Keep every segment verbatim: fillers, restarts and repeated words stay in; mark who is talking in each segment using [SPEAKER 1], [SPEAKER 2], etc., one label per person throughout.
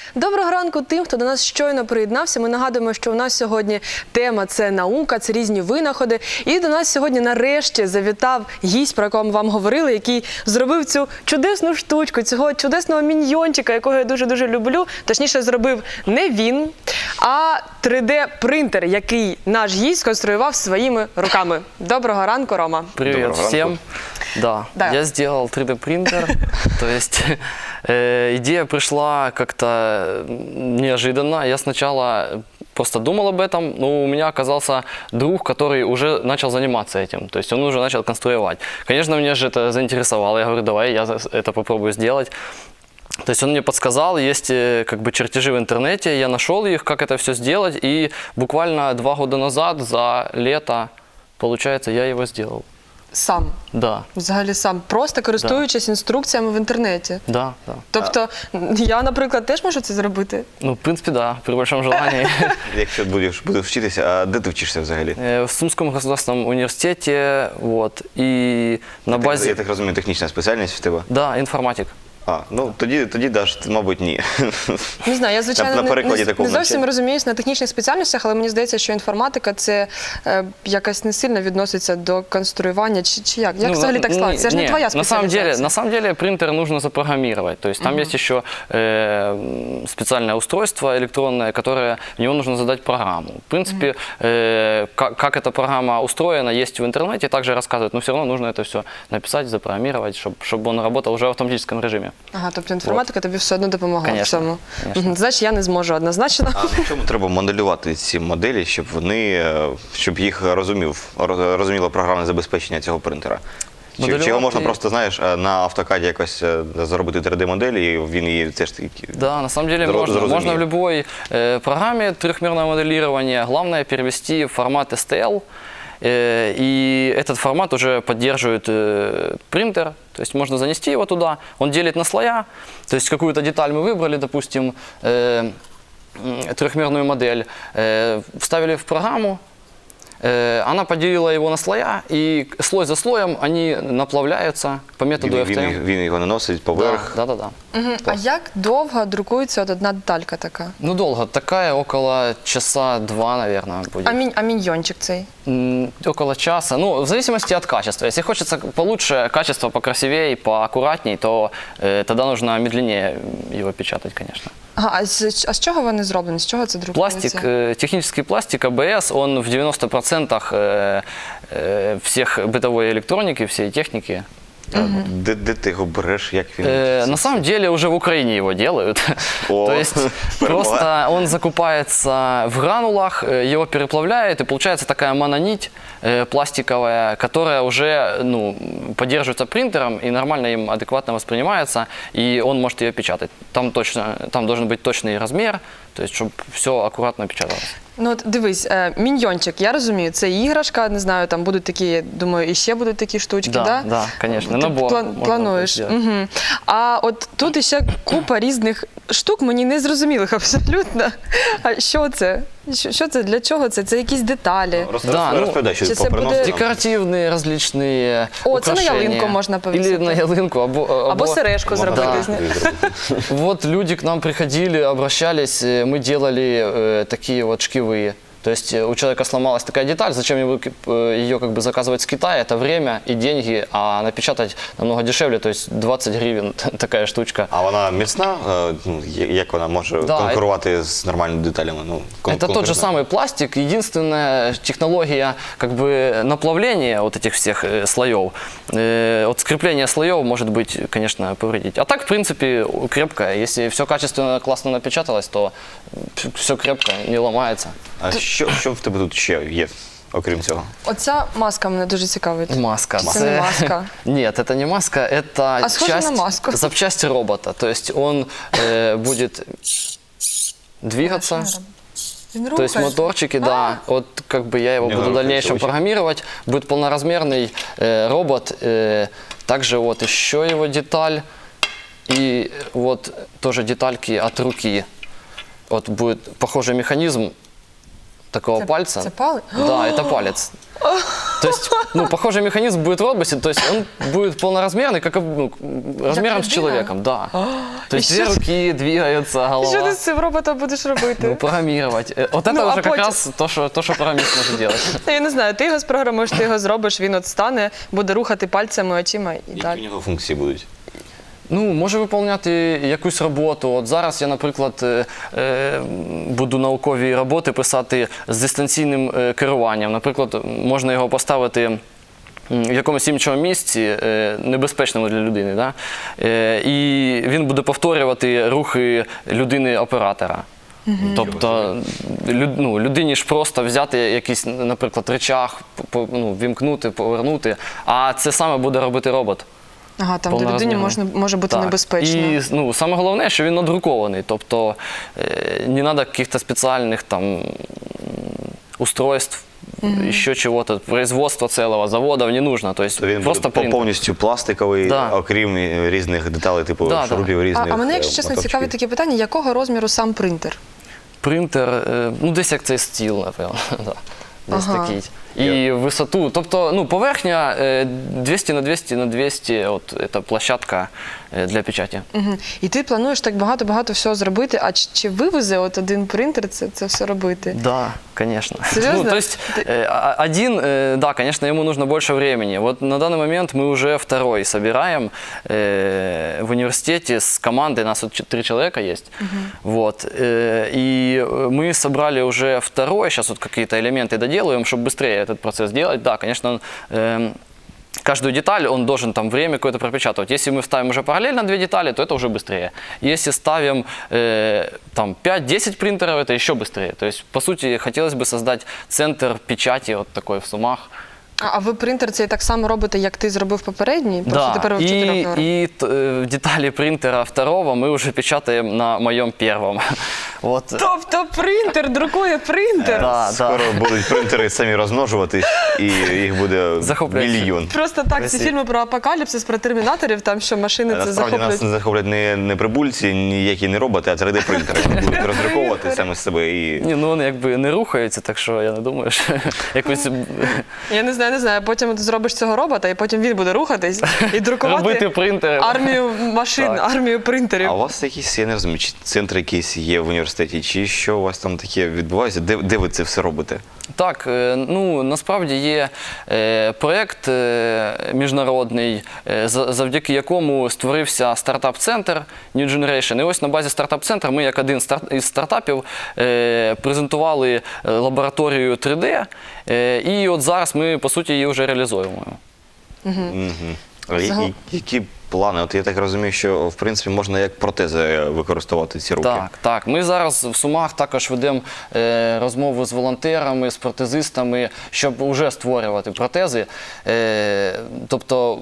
[SPEAKER 1] Доброго ранку тим, хто до нас щойно приєднався. Ми нагадуємо, що у нас сьогодні тема – це наука, це різні винаходи. І до нас сьогодні нарешті завітав гість, про якого ми вам говорили, який зробив цю чудесну штучку, цього чудесного міньйончика, якого я дуже-дуже люблю. Точніше, зробив не він, а три де-принтер, який наш гість сконструював своїми руками. Доброго ранку, Рома.
[SPEAKER 2] Привет
[SPEAKER 3] Доброго
[SPEAKER 2] всем.
[SPEAKER 3] ранку.
[SPEAKER 2] Да,
[SPEAKER 1] Да.
[SPEAKER 2] я сделал три дэ-принтер, то есть э, идея пришла как-то неожиданно. Я сначала просто думал об этом, но у меня оказался друг, который уже начал заниматься этим, то есть он уже начал конструировать. Конечно, меня же это заинтересовало, я говорю, давай я это попробую сделать. То есть он мне подсказал, есть э, как бы чертежи в интернете, я нашел их, как это все сделать, и буквально два года назад, за лето, получается, я его сделал.
[SPEAKER 1] Сам.
[SPEAKER 2] Да,
[SPEAKER 1] Взагалі сам. Просто користуючись інструкціями в інтернеті.
[SPEAKER 2] да, да.
[SPEAKER 1] Тобто, я, наприклад, теж можу це зробити?
[SPEAKER 2] Ну, в принципе, да, при большом желании.
[SPEAKER 3] Якщо будеш, будеш вчитися, а де ти вчишся взагалі?
[SPEAKER 2] Э, В Сумском государственном университете, вот, и на
[SPEAKER 3] Я
[SPEAKER 2] базі...
[SPEAKER 3] так розумію, технічна спеціальність в тебе?
[SPEAKER 2] Да, інформатик.
[SPEAKER 3] А, ну тоді, тоді даш, мабуть, ні.
[SPEAKER 1] Не знаю, я, звичайно,
[SPEAKER 3] На
[SPEAKER 1] не,
[SPEAKER 3] перекладі
[SPEAKER 1] не,
[SPEAKER 3] такого
[SPEAKER 1] не зовсім
[SPEAKER 3] навчання.
[SPEAKER 1] розуміюсь на технічних спеціальностях, але мені здається, що інформатика – це е, якось не сильно відноситься до конструювання, чи, чи як? Як
[SPEAKER 2] Ну,
[SPEAKER 1] взагалі так
[SPEAKER 2] не-
[SPEAKER 1] склалося? Це ж не,
[SPEAKER 2] не,
[SPEAKER 1] твоя
[SPEAKER 2] на самом
[SPEAKER 1] спеціалізація.
[SPEAKER 2] деле, на самом деле принтер нужно запрограммировать. То есть там есть еще э, специальное устройство электронное, которое в него нужно задать программу. В принципе, э, как, как эта программа устроена, есть в интернете, также рассказывают, но все равно нужно это все написать, запрограммировать, чтобы, чтобы он работал уже в автоматическом режиме.
[SPEAKER 1] Ага, тобто інформатика тобі все одно допомагає в
[SPEAKER 2] Конечно,
[SPEAKER 1] цьому.
[SPEAKER 2] конечно.
[SPEAKER 1] Мгм. Значить, я не зможу однозначно.
[SPEAKER 3] А на чому треба моделювати ці моделі, щоб вони, е, щоб їх розумів, роз- розуміло програмне забезпечення цього принтера? Чи, чи його
[SPEAKER 2] Моделювати-
[SPEAKER 3] можна просто, знаєш, е, на автокаді якось е, зробити три де-модель, і він її теж таки...
[SPEAKER 2] Да, на самом деле
[SPEAKER 3] Зро-
[SPEAKER 2] можно,
[SPEAKER 3] зрозумею.
[SPEAKER 2] можно в любой э, программе трехмерного моделирования. Главное перевести в формат эс тэ эл. Э, и этот формат уже поддерживает э, принтер. То есть можно занести его туда. Он делит на слоя. То есть какую-то деталь мы выбрали, допустим, э, м, трехмерную модель, э, вставили в программу. Э, Она поделила его на слоя, и слой за слоем они наплавляются по методу
[SPEAKER 3] Він,
[SPEAKER 2] эф тэ эм.
[SPEAKER 3] він, він його наносить поверх.
[SPEAKER 2] Да, да, да.
[SPEAKER 1] Мгм. А як довго друкується от одна деталька така?
[SPEAKER 2] Ну, долго. Такая около часа два, наверное, будет.
[SPEAKER 1] А, мінь, а міньйончик цей?
[SPEAKER 2] М, Около часа. Ну, в зависимости от качества. Если хочется получше, качество покрасивее, поаккуратней, то э, тогда нужно медленнее его печатать, конечно.
[SPEAKER 1] Ага, а з, а з чого вони зроблені? З чого це друкується?
[SPEAKER 2] Пластик, э, технический пластик а бэ эс, он в девяноста процентах э, э, всех бытовой электроники, всей техники.
[SPEAKER 3] Де, де ти його береш, як він?
[SPEAKER 2] Э, на самом деле уже в Украине его делают.
[SPEAKER 3] О,
[SPEAKER 2] То есть
[SPEAKER 3] перемога.
[SPEAKER 2] просто он закупается в гранулах, э, его переплавляют, и получается такая мононить э, пластиковая, которая уже ну, поддерживается принтером и нормально им адекватно воспринимается, и он может ее печатать. Там, точно, там должен быть точный размер, то есть чтобы все аккуратно печаталось.
[SPEAKER 1] Ну от дивись, е, міньйончик, я розумію, це іграшка, не знаю, там будуть такі, думаю, і ще будуть такі штучки,
[SPEAKER 2] Да,
[SPEAKER 1] да?
[SPEAKER 2] да, конечно,
[SPEAKER 1] Ти
[SPEAKER 2] набор
[SPEAKER 1] план-
[SPEAKER 2] можна
[SPEAKER 1] плануєш.
[SPEAKER 2] зробити.
[SPEAKER 1] Угу. А от тут іще купа різних штук, мені незрозумілих абсолютно. А що це? Що, що це? Для чого це? Це якісь деталі.
[SPEAKER 3] Роз,
[SPEAKER 2] Да,
[SPEAKER 3] роз-
[SPEAKER 2] ну,
[SPEAKER 3] розповідай, що
[SPEAKER 1] чи це
[SPEAKER 3] поприносив
[SPEAKER 1] буде-
[SPEAKER 3] нам.
[SPEAKER 2] Декоративные различные
[SPEAKER 1] О, це на
[SPEAKER 2] украшения.
[SPEAKER 1] ялинку можна повісити.
[SPEAKER 2] Или на ялинку, або, або,
[SPEAKER 1] Або сережку
[SPEAKER 3] Можна
[SPEAKER 1] зробити
[SPEAKER 2] Да.
[SPEAKER 1] з них.
[SPEAKER 3] зробити.
[SPEAKER 2] Вот люди к нам приходили, обращались, э, мы делали э, такие вот шкивые. То есть э, у человека сломалась такая деталь, зачем ему э, ее как бы заказывать с Китая, это время и деньги, а напечатать намного дешевле, то есть двадцать гривен такая штучка.
[SPEAKER 3] А вона міцна? Е, ну, я- Як вона може
[SPEAKER 2] Да,
[SPEAKER 3] конкурувати з нормальними деталями? Ну, кон-
[SPEAKER 2] Это тот же
[SPEAKER 3] конкурентно.
[SPEAKER 2] самый пластик, единственная технология как бы наплавления вот этих всех э, слоев. Э, вот скрепление слоев может быть, конечно, повредить. А так, в принципе, крепкое. Если все качественно, классно напечаталось, то все крепко, не ломается.
[SPEAKER 3] А що, що в тебе тут ще є, окрім цього?
[SPEAKER 1] Оця маска мене дуже цікавить.
[SPEAKER 2] Маска.
[SPEAKER 1] Це не маска.
[SPEAKER 2] Нет, это не маска, это
[SPEAKER 1] А схоже
[SPEAKER 2] часть,
[SPEAKER 1] на маску.
[SPEAKER 2] запчасть робота. То есть он э, будет двигаться.
[SPEAKER 1] Він
[SPEAKER 2] То есть
[SPEAKER 1] рухається.
[SPEAKER 2] моторчики, да, вот как бы я его
[SPEAKER 3] Не,
[SPEAKER 2] буду в
[SPEAKER 3] рухается
[SPEAKER 2] дальнейшем
[SPEAKER 3] очень.
[SPEAKER 2] программировать. Будет полноразмерный э, робот. э, также вот еще его деталь. И вот тоже детальки от руки. Вот будет похожий механизм такого
[SPEAKER 1] Це-
[SPEAKER 2] пальца.
[SPEAKER 1] Це палець?
[SPEAKER 2] Да, это палец. То есть, ну, похожий механизм будет в роботе, то есть он будет полноразмерный, как ну, размером с
[SPEAKER 1] людина?
[SPEAKER 2] человеком, да. То есть
[SPEAKER 1] и
[SPEAKER 2] две
[SPEAKER 1] что-
[SPEAKER 2] руки двигаются,
[SPEAKER 1] Що ти
[SPEAKER 2] голова.
[SPEAKER 1] з цим роботом будеш робити?
[SPEAKER 2] Ну, программировать. Э, Вот это
[SPEAKER 1] Ну, а
[SPEAKER 2] уже как
[SPEAKER 1] потім?
[SPEAKER 2] раз то, что, то, что программист может делать.
[SPEAKER 1] Та я не знаю, ти його спрограмуєш, ти його зробиш, він от стане, буде рухати пальцями, очима і
[SPEAKER 3] Які
[SPEAKER 1] далі.
[SPEAKER 3] у нього функції будуть?
[SPEAKER 2] Ну, може виконувати якусь роботу. От зараз я, наприклад, е, е, буду наукові роботи писати з дистанційним е, керуванням. Наприклад, можна його поставити м, в якомусь іншому місці, е, небезпечному для людини, да? Е, і він буде повторювати рухи людини-оператора. Тобто люд, ну, людині ж просто взяти якийсь, наприклад, речах, по- ну, вімкнути, повернути, а це саме буде робити робот.
[SPEAKER 1] Ага, там де людині
[SPEAKER 2] Повноразмірний.
[SPEAKER 1] можна, може бути
[SPEAKER 2] Так.
[SPEAKER 1] небезпечно.
[SPEAKER 2] І ну, саме головне, що він надрукований. Тобто е, не треба якихось спеціальних там м, устройств, еще чего-то, производства целого, заводов не нужно. То есть
[SPEAKER 3] То він
[SPEAKER 2] просто
[SPEAKER 3] буде
[SPEAKER 2] принтер.
[SPEAKER 3] повністю пластиковий,
[SPEAKER 2] Да.
[SPEAKER 3] окрім е, різних деталей, типу
[SPEAKER 2] Да, да.
[SPEAKER 3] шурупів
[SPEAKER 1] А,
[SPEAKER 3] різних.
[SPEAKER 1] а мене,
[SPEAKER 3] е,
[SPEAKER 1] якщо чесно,
[SPEAKER 3] моторчиків.
[SPEAKER 1] цікавить таке питання, якого розміру сам принтер?
[SPEAKER 2] Принтер, е, ну десь як цей стіл, напевно. Да. Десь
[SPEAKER 1] Ага.
[SPEAKER 2] такий. І висоту, тобто ну, поверхня е, двісті на двісті на двісті, от це площадка е, для печаті.
[SPEAKER 1] Угу. І ти плануєш так багато-багато всього зробити, а чи, чи вивезе от один принтер це, це все робити?
[SPEAKER 2] Да, конечно.
[SPEAKER 1] Серьезно?
[SPEAKER 2] Ну, то есть э, а- один, э, да, конечно, ему нужно больше времени. Вот на данный момент мы уже второй собираем э, в университете с командой, нас вот ч- три человека есть. Вот, э, и мы собрали уже второй, сейчас вот какие-то элементы доделываем, чтобы быстрее этот процесс делать. Да, конечно, он, эм, каждую деталь он должен там время какое-то пропечатывать. Если мы ставим уже параллельно две детали, то это уже быстрее. Если ставим э, там пять-десять принтеров, это еще быстрее. То есть, по сути, хотелось бы создать центр печати вот такой в Сумах.
[SPEAKER 1] А, а ви принтер цей так само робите, як ти зробив попередній? Просто тепер ви в
[SPEAKER 2] и,
[SPEAKER 1] чотирьох норм.
[SPEAKER 2] и т- э, детали принтера второго мы уже печатаем на моем первом. Вот.
[SPEAKER 1] Тобто принтер друкує принтер?
[SPEAKER 2] Да, да.
[SPEAKER 3] Скоро будуть принтери самі розмножуватись, і їх буде
[SPEAKER 2] Захоплююче.
[SPEAKER 3] мільйон.
[SPEAKER 1] Просто так, ці
[SPEAKER 2] Красиво.
[SPEAKER 1] фільми про апокаліпсис, про термінаторів, там що машини це
[SPEAKER 3] Насправді нас
[SPEAKER 1] захоплюють.
[SPEAKER 3] не захоплять не, не прибульці, ніякі не роботи, а три Д принтери. Вони будуть роздруковувати саме себе і
[SPEAKER 2] Ні, ну він якби не рухається, так що я не думаю, що якось
[SPEAKER 1] Я не знаю, не знаю. Потім ти зробиш цього робота, і потім він буде рухатись і друкувати
[SPEAKER 2] робити принтери.
[SPEAKER 1] армію машин,
[SPEAKER 2] Так.
[SPEAKER 1] армію принтерів.
[SPEAKER 3] А у вас якісь, я не розумію, чи центр якийсь є в університеті, чи що у вас там таке відбувається? Де, де ви це все робите?
[SPEAKER 2] Так, е, ну насправді є е, проєкт е, міжнародний, е, за- завдяки якому створився стартап-центр New Generation. І ось на базі стартап-центру ми, як один стар- із стартапів, е, презентували е, лабораторію три Д. е, І от зараз ми, по суті, її вже реалізуємо.
[SPEAKER 3] Мгм. А я-
[SPEAKER 1] Загал-
[SPEAKER 3] і- Які плани? От я так розумію, що в принципі можна як протези використовувати ці руки.
[SPEAKER 2] Так, так. Ми зараз в Сумах також ведемо е, розмову з волонтерами, з протезистами, щоб вже створювати протези. Е, тобто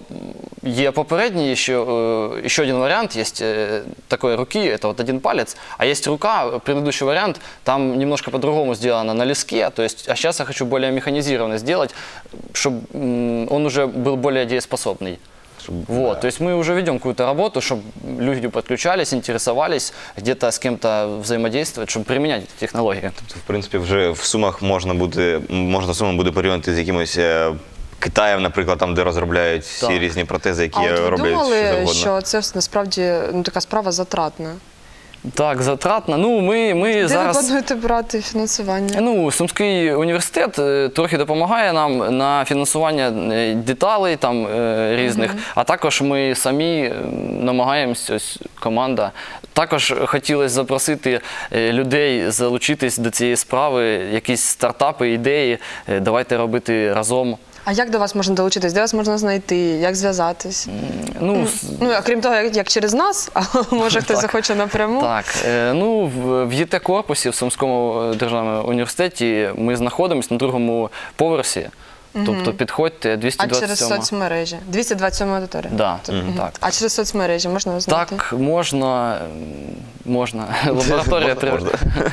[SPEAKER 2] є попередній, що, е, ще один варіант є е, такої руки, це от один палець, а є рука, предыдущий варіант, там немножко по-другому сделано на леске, то есть, а сейчас я хочу более механизированно сделать, чтобы м, он уже был более дееспособный. Вот,
[SPEAKER 3] Да.
[SPEAKER 2] то есть мы уже ведем какую-то работу, чтобы люди подключались, интересовались, где-то с кем-то взаимодействовать, чтобы применять эти технологии.
[SPEAKER 3] В принципі, вже в Сумах можна буде, можна Суми буде порівняти з якимось е, Китаєм, наприклад, там, де розробляють всі
[SPEAKER 2] Так.
[SPEAKER 3] різні протези, які
[SPEAKER 1] А от ви
[SPEAKER 3] роблять що
[SPEAKER 1] думали,
[SPEAKER 3] завгодно.
[SPEAKER 1] що це насправді ну, така справа затратна?
[SPEAKER 2] Так, затратно. Ну, ми, ми
[SPEAKER 1] Де ви
[SPEAKER 2] зараз...
[SPEAKER 1] плануєте брати фінансування?
[SPEAKER 2] Ну, Сумський університет е, трохи допомагає нам на фінансування е, деталей там е, різних, а також ми самі е, намагаємося, ось команда. Також хотілося запросити е, людей залучитись до цієї справи, якісь стартапи, ідеї, е, давайте робити разом.
[SPEAKER 1] А як до вас можна долучитись? Де вас можна знайти? Як зв'язатись?
[SPEAKER 2] Ну, с-
[SPEAKER 1] Ну, окрім того, як, як через нас, а може хтось
[SPEAKER 2] Так.
[SPEAKER 1] захоче напряму.
[SPEAKER 2] Так, е, ну в, в ЄТ-корпусі в Сумському е, державному університеті ми знаходимося на другому поверсі. Тобто підходьте
[SPEAKER 1] А
[SPEAKER 2] двісті
[SPEAKER 1] через
[SPEAKER 2] двадцять сьома.
[SPEAKER 1] соцмережі? двісті двадцять сьома аудиторія?
[SPEAKER 2] Да,
[SPEAKER 1] Мгм.
[SPEAKER 2] так.
[SPEAKER 1] А через соцмережі можна вас знайти?
[SPEAKER 2] Так, можна, м, можна. Лабораторія
[SPEAKER 3] Можна,
[SPEAKER 2] три.
[SPEAKER 3] можна.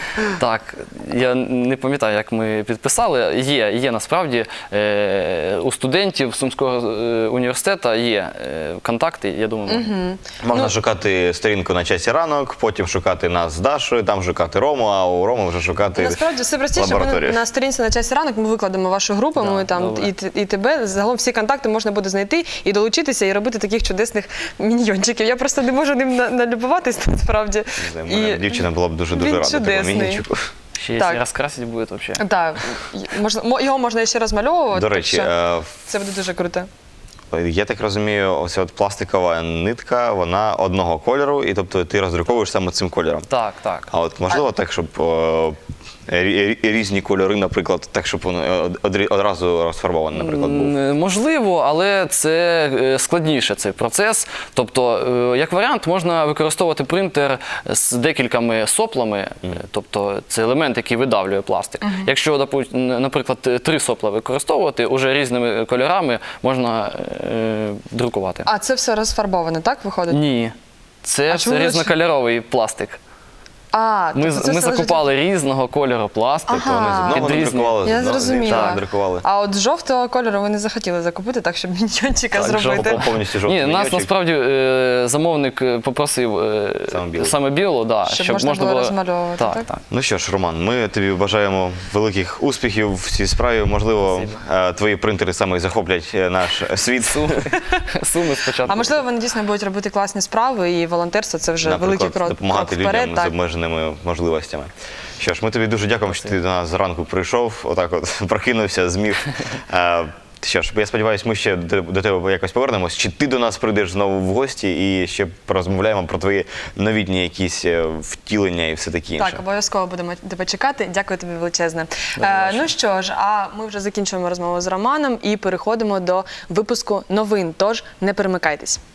[SPEAKER 2] Так, я не пам'ятаю, як ми підписали. Є, є насправді е, у студентів Сумського е, університету є е, контакти, я думаю. можна.
[SPEAKER 3] Можна
[SPEAKER 1] Ну-
[SPEAKER 3] шукати сторінку на часі ранок, потім шукати нас з Дашою, там шукати Рому, а у Роми вже шукати
[SPEAKER 1] Насправді все простіше. Ми
[SPEAKER 3] лабораторію.
[SPEAKER 1] на сторінці на часі ранок ми викладемо вашу групу,
[SPEAKER 2] Да,
[SPEAKER 1] ми там
[SPEAKER 2] добре. Добре.
[SPEAKER 1] і, т- і тебе. Загалом всі контакти можна буде знайти і долучитися, і робити таких чудесних міньйончиків. Я просто не можу ним на- налюбуватись насправді.
[SPEAKER 3] Не знаю, мене
[SPEAKER 1] І
[SPEAKER 3] дівчина була б дуже-дуже
[SPEAKER 1] він
[SPEAKER 3] рада такому
[SPEAKER 1] чудесний.
[SPEAKER 3] мінічику.
[SPEAKER 2] Ще
[SPEAKER 1] Так.
[SPEAKER 2] якщо розкрасити буде вообще.
[SPEAKER 1] Так, можна, мо- його можна ще розмальовувати.
[SPEAKER 3] До
[SPEAKER 1] так
[SPEAKER 3] речі,
[SPEAKER 1] що
[SPEAKER 3] е,
[SPEAKER 1] це буде дуже круто.
[SPEAKER 3] я так розумію, ось от пластикова нитка, вона одного кольору, і тобто ти роздруковуєш саме цим кольором.
[SPEAKER 2] Так, так.
[SPEAKER 3] А от можливо так, щоб е, рі- рі- різні кольори, наприклад, так, щоб воно од- одрі- одразу розфарбований, наприклад, був.
[SPEAKER 2] М, Можливо, але це е, складніше цей процес. Тобто, е, як варіант, можна використовувати принтер з декількома соплами, е, тобто це елемент, який видавлює пластик. Якщо, допу- н- наприклад, три сопла використовувати, уже різними кольорами можна е, друкувати.
[SPEAKER 1] А це все розфарбоване, так виходить?
[SPEAKER 2] Ні, це
[SPEAKER 1] А чому
[SPEAKER 2] все
[SPEAKER 1] ви-
[SPEAKER 2] різнокольоровий пластик.
[SPEAKER 1] А,
[SPEAKER 2] Ми,
[SPEAKER 1] тобто
[SPEAKER 2] з-
[SPEAKER 1] це
[SPEAKER 2] ми
[SPEAKER 1] все лежить-
[SPEAKER 2] закупали різного кольору пластик.
[SPEAKER 1] Ага.
[SPEAKER 2] вони
[SPEAKER 3] З
[SPEAKER 2] з-
[SPEAKER 3] одного
[SPEAKER 2] під різні-
[SPEAKER 3] надрукували, з
[SPEAKER 1] Я
[SPEAKER 3] одного- з іншого
[SPEAKER 1] зрозуміла.
[SPEAKER 3] надрукували.
[SPEAKER 1] А от жовтого кольору ви не захотіли закупити, так, щоб міньйончика
[SPEAKER 2] Так,
[SPEAKER 1] зробити.
[SPEAKER 2] жовтого.
[SPEAKER 3] Повністю жовтий
[SPEAKER 2] Ні, нас
[SPEAKER 3] міньйончик.
[SPEAKER 2] насправді е, замовник е, попросив е,
[SPEAKER 3] Саме білу.
[SPEAKER 2] саме білу, да,
[SPEAKER 1] Щоб можна було розмальовувати,
[SPEAKER 2] Так,
[SPEAKER 1] так?
[SPEAKER 2] так.
[SPEAKER 3] Ну що ж, Роман, ми тобі бажаємо великих успіхів в цій справі. Можливо, е, твої принтери саме і захоплять е, наш світ.
[SPEAKER 2] Суми, суми спочатку.
[SPEAKER 1] А можливо, вони дійсно будуть робити класні справи, і волонтерство це вже великий
[SPEAKER 3] Наприклад,
[SPEAKER 1] крок,
[SPEAKER 3] допомагати
[SPEAKER 1] крок вперед.
[SPEAKER 3] людям з
[SPEAKER 1] Так.
[SPEAKER 3] обмеженими можливостями. Що ж, ми тобі дуже дякуємо, що ти до нас зранку прийшов, отак от прокинувся, зміг. Е, Що ж, я сподіваюся, ми ще до, до тебе якось повернемось. Чи ти до нас прийдеш знову в гості і ще порозмовляємо про твої новітні якісь е, втілення і все таке інше.
[SPEAKER 1] Так, обов'язково будемо тебе чекати. Дякую тобі величезне. Е, ну що ж, а ми вже закінчуємо розмову з Романом і переходимо до випуску новин. Тож не перемикайтесь.